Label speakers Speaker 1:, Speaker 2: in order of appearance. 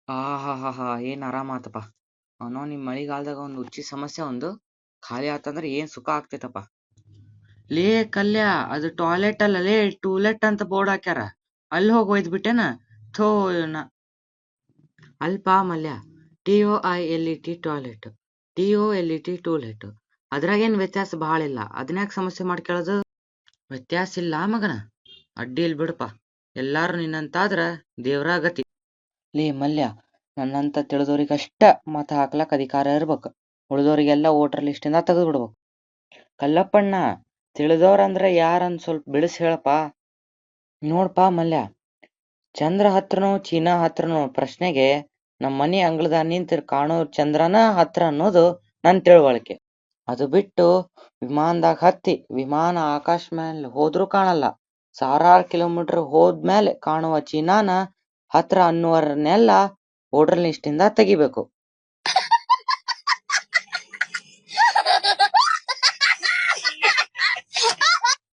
Speaker 1: ಆಹಾಹಾಹಾ! ಏನ್ ಆರಾಮಾತಪ್ಪ. ನಿಮ್ ಮಳಿಗಾಲದಾಗ ಒಂದು ಹುಚ್ಚಿ ಸಮಸ್ಯೆ ಒಂದು ಖಾಲಿ ಆತಂದ್ರ ಏನ್ ಸುಖ ಆಗ್ತೈತಪ್ಪ. ಲೇ ಕಲ್ಯಾ ಅದು ಟಾಯ್ಲೆಟ್ ಅಲ್ಲ ಲೇ, ಟೂಲೆಟ್ ಅಂತ ಬೋರ್ಡ್ ಹಾಕ್ಯಾರ. ಅಲ್ಲಿ ಹೋಗಿ ಒಯ್ದ್ಬಿಟ್ಟೇನ. ಥೋ ಇವ್ನ. ಅಲ್ಪಾ ಮಲ್ಯ, TOILET ಟಾಯ್ಲೆಟ್, TOLET ಟೂಲೆಟ್. ಅದ್ರಾಗೇನ್ ವ್ಯತ್ಯಾಸ ಭಾಳ ಇಲ್ಲ. ಅದನ್ಯಾಕ್ ಸಮಸ್ಯೆ ಮಾಡ್ಕೊಳ್ಳೋದು? ವ್ಯತ್ಯಾಸ ಇಲ್ಲ ಮಗನ. ಅಡ್ಡಿ ಇಲ್ ಬಿಡಪ್ಪ. ಎಲ್ಲಾರು ನಿನ್ನಂತಾದ್ರ ದೇವ್ರಾಗತಿ. ಲೇ ಮಲ್ಯ, ನನ್ನಂತ ತಿಳಿದೋರಿಗಷ್ಟ ಮತ ಹಾಕ್ಲಕ್ ಅಧಿಕಾರ ಇರ್ಬೇಕು. ಉಳಿದೋರಿಗೆಲ್ಲ ವೋಟರ್ ಲಿಸ್ಟಿಂದ ತೆಗೆದು ಬಿಡ್ಬೇಕು. ಕಲ್ಲಪ್ಪಣ್ಣ, ತಿಳಿದವ್ರಂದ್ರ ಯಾರಂದ್ ಸ್ವಲ್ಪ ಬಿಡಿಸಿ ಹೇಳಪ್ಪ. ನೋಡ್ಪಾ ಮಲ್ಯ, ಚಂದ್ರ ಹತ್ರನೋ ಚೀನಾ ಹತ್ರನೋ ಪ್ರಶ್ನೆಗೆ ನಮ್ಮ ಮನಿ ಅಂಗಳದಾಗ ನಿಂತ ಕಾಣೋ ಚಂದ್ರನ ಹತ್ರ ಅನ್ನೋದು ನನ್ ತಿಳುವಳಿಕೆ. ಅದು ಬಿಟ್ಟು ವಿಮಾನದಾಗ ಹತ್ತಿ ವಿಮಾನ ಆಕಾಶ ಮೇಲೆ ಹೋದ್ರೂ ಕಾಣಲ್ಲ. ಸಾವಿರಾರು ಕಿಲೋಮೀಟರ್ ಹೋದ್ಮೇಲೆ ಕಾಣುವ ಚೀನಾನ ಹತ್ರ ಅನ್ನುವರನ್ನೆಲ್ಲ ವೋಟರ್ ಲಿಸ್ಟಿಂದ ತೆಗಿಬೇಕು.